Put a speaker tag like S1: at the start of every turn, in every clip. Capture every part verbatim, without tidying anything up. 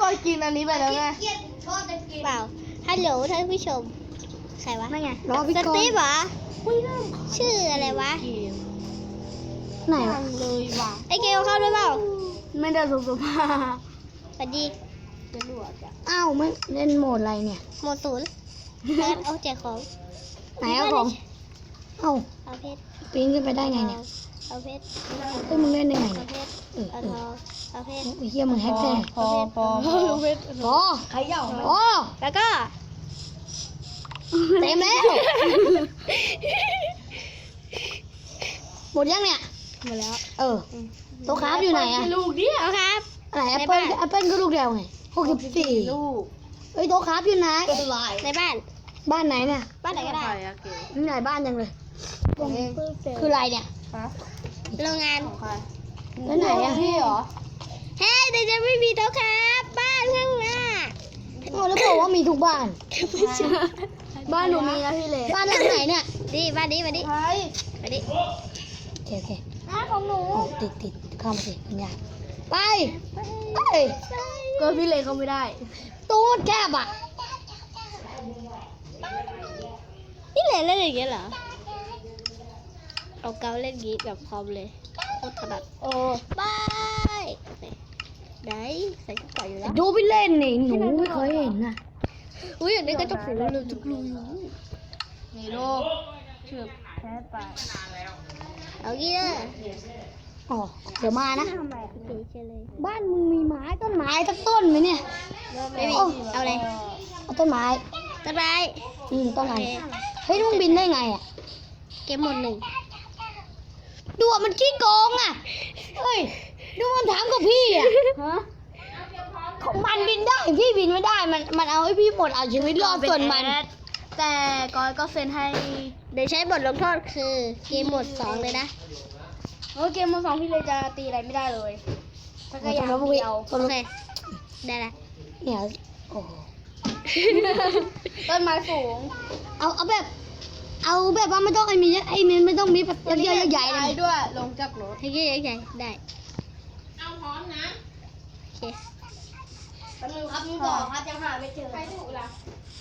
S1: ยกินอันนี้ไปแล้วไง
S2: เปล่าฮัลโหลท่านผู้ชมใครวะ
S1: นั่นไง
S3: รอพี่
S2: ส
S3: กร
S2: ตีฟ
S3: ณ์
S2: เหรอชื่ออะไรวะ
S3: ไหน
S1: ยั
S3: วะ
S1: งเลยว่ะ
S2: ไอเกลเข้าด้วยเปล่า
S1: ไม่ได้สุภาพ
S2: สวัสดี
S1: จะรวดอ่ะ
S3: อ้าวไม่เล่นโหมดอะไรเนี่ย
S2: หมดศูนย์เอิร์ธเอาแจกของ
S3: ไหนเอาของเอ้า
S2: เอาเพชร
S3: ปีนขึ้นไปได้ไงเนี่ย
S2: เอาเพชร
S3: เฮ้ยมึงเล่นได้ไง
S2: เอา
S3: เนี่ย
S2: เพชร
S3: เออ
S2: เอา
S3: เอ
S2: ท
S3: อ
S2: องเอาเพชร
S3: ไอ้เหี้ยมึงแฮกแท้
S1: พอพอพอ
S3: พอ
S1: ใครเหย่า
S3: พอ
S2: แล้วก็
S3: เต็มแล้วหมดยังเนี่ย
S2: หมดแล้ว
S3: เออโต๊ะคราฟอยู่ไหนอะ
S1: ลูกเดียว
S2: เอาครับ
S3: อะไรแอปเปิ้ลแอปเปิ้ลก็ลูกเดียวไงหกสิบสี่
S1: ลูก
S3: เฮ้ยโต๊ะคราฟอยู่ไหน
S1: เป็นไร
S2: ในบ้าน
S3: บ้านไหนเนี่ย
S2: บ้านไหนก็ได้
S1: ใครอะเก๋
S3: มีหลายบ้านจังเลยคืออะไรเนี่ย
S1: ฮะ
S2: โรงงาน
S1: ของใคร
S3: แล้วไหนอะ
S1: พี่เหรอ
S2: เฮ้ยแต่จะไม่มีโต๊ะครับบ้านข้างหน้า
S3: โอ้แล้วบอกว่ามีทุกบ้าน
S1: บ้านหนูมีนะพี่เล็ก
S3: บ้านหลังไหนเนี่ย
S2: ดิบ้านนี้มาดิ
S1: ใคร
S2: มาดิ
S3: โอเคโอเค
S1: บ้านของหนู
S3: โอ้ติดติดเข้ามาสิปัญญาไปไป
S1: ก็พี่เล็กเขาไม่ได้
S3: ตูดแคบอ่ะ
S2: นี่เล่นเล่นอย่างเงี้ยเหรอเอาเกาเล่นงี้แบบคอมเลยโคตรถนัด
S1: โอ้
S2: บายไหนใส่ชุดเก่าอยู่แล้ว
S3: ดูไปเล่นนี่หนูไม่เคยเห็นนะ
S2: อุ้ยอย่างนี้ก็จะผูกเลยจุกลูอยู่
S1: นี่ลูกเชือบแพ้ไป
S2: เอางี้เลย
S3: อ๋อเดี๋ยวมานะ
S2: ทำไมเฉยเฉยเลย
S3: บ้านมึงมีไม้ต้นไม้สักต้นไหมเนี่ย
S2: ไม่มี
S3: โอ้
S2: เอาเลย
S3: เอาต้นไม้
S2: ต้นไม้
S3: อืมต้น
S2: โอ
S3: ไม้
S2: เค
S3: เฮ้ยมึงบินได้ไงอ่ะ
S2: เกมหมดหนึ่ง
S3: ดูอ่ะมันขี้โกงอ่ะเฮ้ยดูมันถามกับพี่อ่ะ
S1: ฮะ
S3: ของมันบินได้พี่บินไม่ได้ มันมันเอาให้พี่หมดเอาชีวิตรอดส่วนมัน
S1: แต่ก้อยก็เซ็นให้
S2: เดี๋ยวใช้บทลงโทษคือเกมหมดสองเลยนะ
S1: โอ้เกมมือสองพี่เลยจะตีอะไรไม่ได้เลยถ้าก็อยาก
S3: แล้วมึง
S1: เดียว
S2: โอเคได้ละ
S3: เนี่ยโอ้โห
S1: ต้นไม้สูง
S3: เอาเอาแบบ เอาแบบว่าไม่ต้องไอ้มีไอ้มีไม่ต้องมีแบบเยอะๆใหญ่ๆเลย
S1: ด้วย ลงจากรถ
S2: ให้เยอะๆใหญ่ได้
S1: เอาพร้อมนะ
S2: โอเค
S1: แป๊บนึงครับมึงก่อนครับยังหาไม่เจอใครถูกล่ะ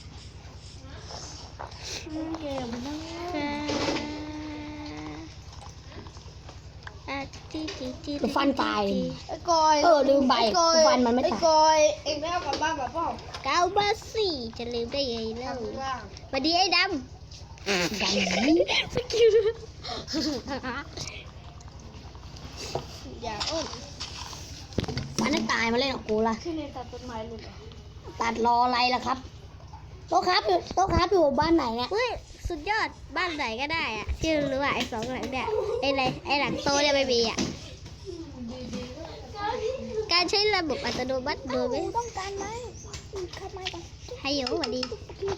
S1: เกมนั่ง
S2: อ่ะจีจีจี
S3: กูฟันตาย
S1: ไอ้กอย
S3: เออลืมไป
S1: อ้กอย
S3: ฟันมันไม่ตาย
S1: ไอ้กอยเอ็งไม่เอากลับบ้านแบบเปล่า
S2: เก้ามาสี่จะลืมได้ยังไงเล่า
S1: ข้างล่าง
S2: สวัสดีไอ้ด
S3: ดังนี้
S2: ำสกิล
S1: อย่าอ้น
S3: มันให้ตายมาเล่นกับกูละ
S1: ที่ในตัดต้นไม้หลุดเหรอ
S3: ตัดรออะไรล่ะครับโต๊ะครับอยู่โต๊ะครับอยู่บ้านไหนเนี่ย
S2: เฮ้ยสุดยอดบ้านไหนก็ได้อะที่รู้ว่าไอ้สองหลังเนี่ยไอ้ไรไอ้หลังโตเนี่ยไม่มีอ่ะการใช้ระบบอัตโนมัติโดยไม่ต้องการไหมให้โยสวัสดี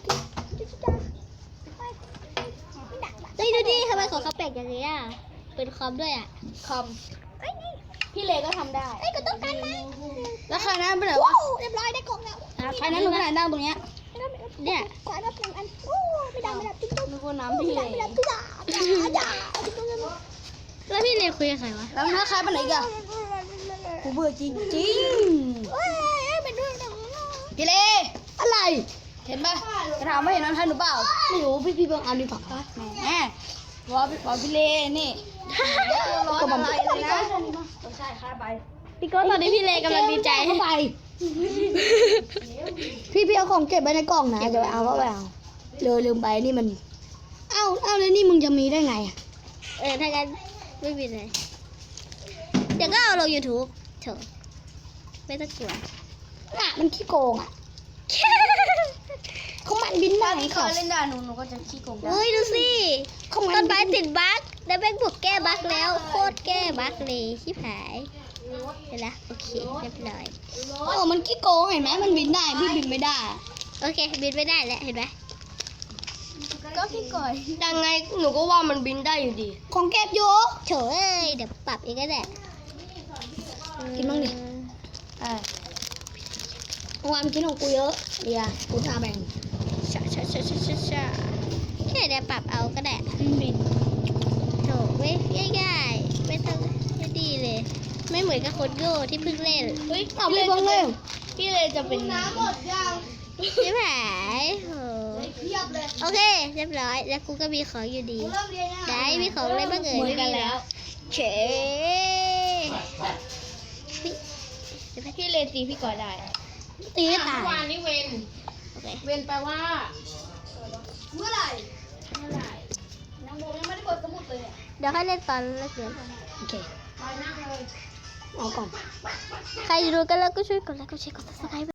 S2: เฮ้ยดูดิทำไมของเขาแปลกอย่างนี้อ่ะเป็นคอมด้วยอ่ะ
S1: คอมพี่เลก็ทำได้
S2: ไอ้ยก็ต้องการไหม
S1: แล้วใครนั้นไปไหนวะ
S2: ว้าวเรียบร้อยได้กล่องแล้ว
S1: ใครนั้นหนูไปไหนนั่งตรงเนี้ย
S2: เนี่ย
S4: ขวานรับหนึ่งอันโอ้ไม่ได้ไม่ได้จุ๊บจุ๊บ
S1: นึกว่าน้ำพี่เล
S4: ไม่ได้จุ๊บจ่าจ่าจ่าจุ๊บจุ๊บจุ๊บ
S2: แล้วพี่เนยคุยกับใครวะ
S1: แล้วถ้าใครไปไหนอีกันกูเบื่อจริงจริง
S4: เฮ้ยเป็นเรื่องหนัง
S1: ๆพี่เล
S3: อะไร
S1: เห็นปะจะถามว่าเห็นน้ำท่านหรือเปล่า
S3: ไม่รู้พี่พี่เบิ่งเอาดีกว่า
S1: แหมวอพี่วอพี่เลนี่ร้อนอะไรเลยนะใช่ค่าไป
S2: พี่โก้ตอนนี้พี่เลกำลังดีใจ
S3: เข้าไป พี่พี่เอาของเก็บไว้ในกล่องนะเดี๋ยวเอาก็ไปเอาเลยลืมไปนี่มัน เอ้าเอ้าแล้วนี่มึงจะมีได้ไงอะ
S2: เออถ้างั้นไม่มีเลยเดี๋ยวก็เอาลง YouTube เถอะไม่ต้องกลัว
S3: น่ะมันขี้โกงอ่ะเขามันบินได้
S1: ถ้าพี่
S3: เขา
S1: เคยเล่นด่าหนูหนูก็จะขี้โกงได้
S2: อุ้ยดูสิ
S3: เขามัน
S2: ต้นไม้ติดบั๊กแล้วแม่งบุกแก้บั๊กแล้วโคตรแก้บั๊กเลยชิบหายเห็นละโอเคเรียบร้อย
S3: เออมันขี้โกงเห็นไหมมันบินได้พี่บินไม่ได้
S2: โอเคบินไม่ได้แล้วเห็นไหม
S1: ก็พี่ก่อย
S3: ยังไงหนูก็ว่ามันบินได้อยู่ดี ของเก็บอยู่
S2: โถเอ้ยเดี๋ยวปรับเองก็ได้
S3: กินบ้างดิ
S1: เออ
S3: เมื่อวานกินของกูเยอะเดี๋ยวกูจะแบ่ง
S2: ชาชาชาชาชาชาแค่เดี๋ยวปรับเอาก็ได้
S1: บิน
S2: โถไม่ง่ายๆไม่ต้องไม่ดีเลย ไม่เหมือนกับคนโง่ที่เพิ่งเล่น
S1: เฮ้ย
S3: เอาไปเบิ่งเลย
S1: พี่เลยจะเป็น
S3: น้ำหมดยัง
S2: ชิบหายโห
S3: เทียบเลย
S2: โอเค เรียบร้อย แล้วกูก็มีของอยู่ดี
S3: เริ่มเรียนยัง
S2: ได้มีของอะไรบ้างเอ่ย
S1: เหมือนกันแล้ว
S2: เฉพี่
S1: พี่เลยตีพี่ก่อนได้
S2: ตีไม่ตาย
S5: วันนี้เวน
S2: โอเค
S5: เวนแปลว่า
S3: เมื่อไหร่เมื่อไหร่ยังโบยังไม่ได้เปิดสมุดเลยเนี่ย
S2: เดี๋ยวให้เล่นตอนเลิกเรียนโอเค
S3: เอาก่อน
S2: ใครดูกันแล้วก็ช่วยกดไลค์กดแชร์กดซับสไครต์